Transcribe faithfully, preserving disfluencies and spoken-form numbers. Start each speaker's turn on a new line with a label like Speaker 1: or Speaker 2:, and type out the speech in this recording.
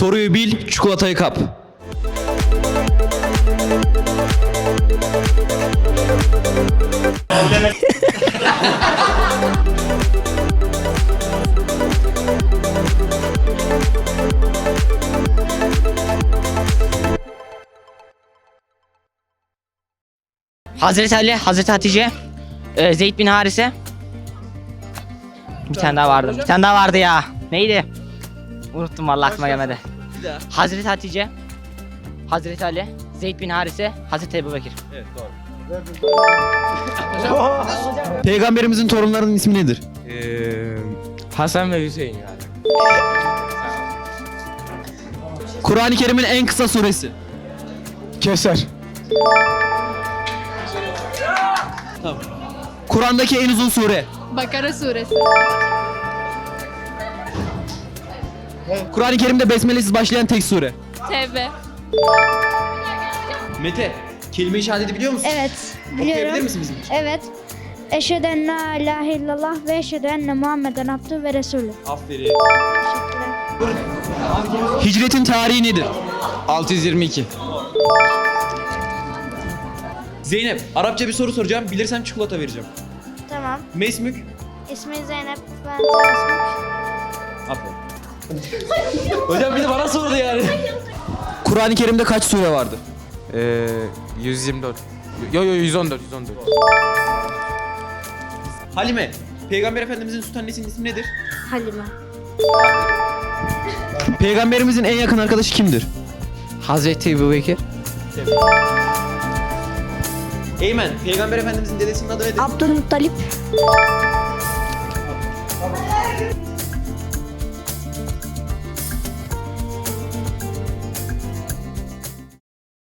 Speaker 1: Soruyu bil, çikolatayı kap.
Speaker 2: Hazreti Ali, Hazreti Hatice, e, Zeyd bin Harise. Bir tane daha vardı. Bir tane daha vardı ya. Neydi? Unuttum vallahi aklıma gelmedi. Hazreti Hatice, Hazreti Ali, Zeyd bin Harise, Hazreti Ebubekir.
Speaker 1: Evet, doğru. Peygamberimizin torunlarının ismi nedir?
Speaker 3: Ee, Hasan ve Hüseyin yani.
Speaker 1: Kur'an-ı Kerim'in en kısa suresi.
Speaker 3: Keser.
Speaker 1: Kur'an'daki en uzun sure.
Speaker 4: Bakara suresi.
Speaker 1: Kur'an-ı Kerim'de besmelesiz başlayan tek sure.
Speaker 4: Tevbe.
Speaker 1: Mete, kelime-i şehadeti biliyor musun?
Speaker 5: Evet,
Speaker 1: Okuyabilir
Speaker 5: biliyorum.
Speaker 1: misin bizim için?
Speaker 5: Evet. Eşhedü en la ilahe illallah ve eşhedü enne Muhammeden abdühü ve resulü.
Speaker 1: Aferin. Hicretin tarihi nedir?
Speaker 3: altı yüz yirmi iki.
Speaker 1: Zeynep, Arapça bir soru soracağım. Bilirsem çikolata vereceğim.
Speaker 5: Tamam.
Speaker 1: Mesmük.
Speaker 5: İsmi Zeynep. Ben Terasmuk.
Speaker 1: Aferin. Hocam bir de bana sordu yani. Kur'an-ı Kerim'de kaç sure vardır?
Speaker 3: Ee, yüz yirmi dört. Yo yo yüz on dört, yüz on dört.
Speaker 1: Halime, Peygamber Efendimizin süt annesinin ismi nedir?
Speaker 5: Halime.
Speaker 1: Peygamberimizin en yakın arkadaşı kimdir?
Speaker 3: Hazreti Ebubekir.
Speaker 1: Eymen, Peygamber Efendimizin dedesinin adı nedir?
Speaker 5: Abdülmuttalip.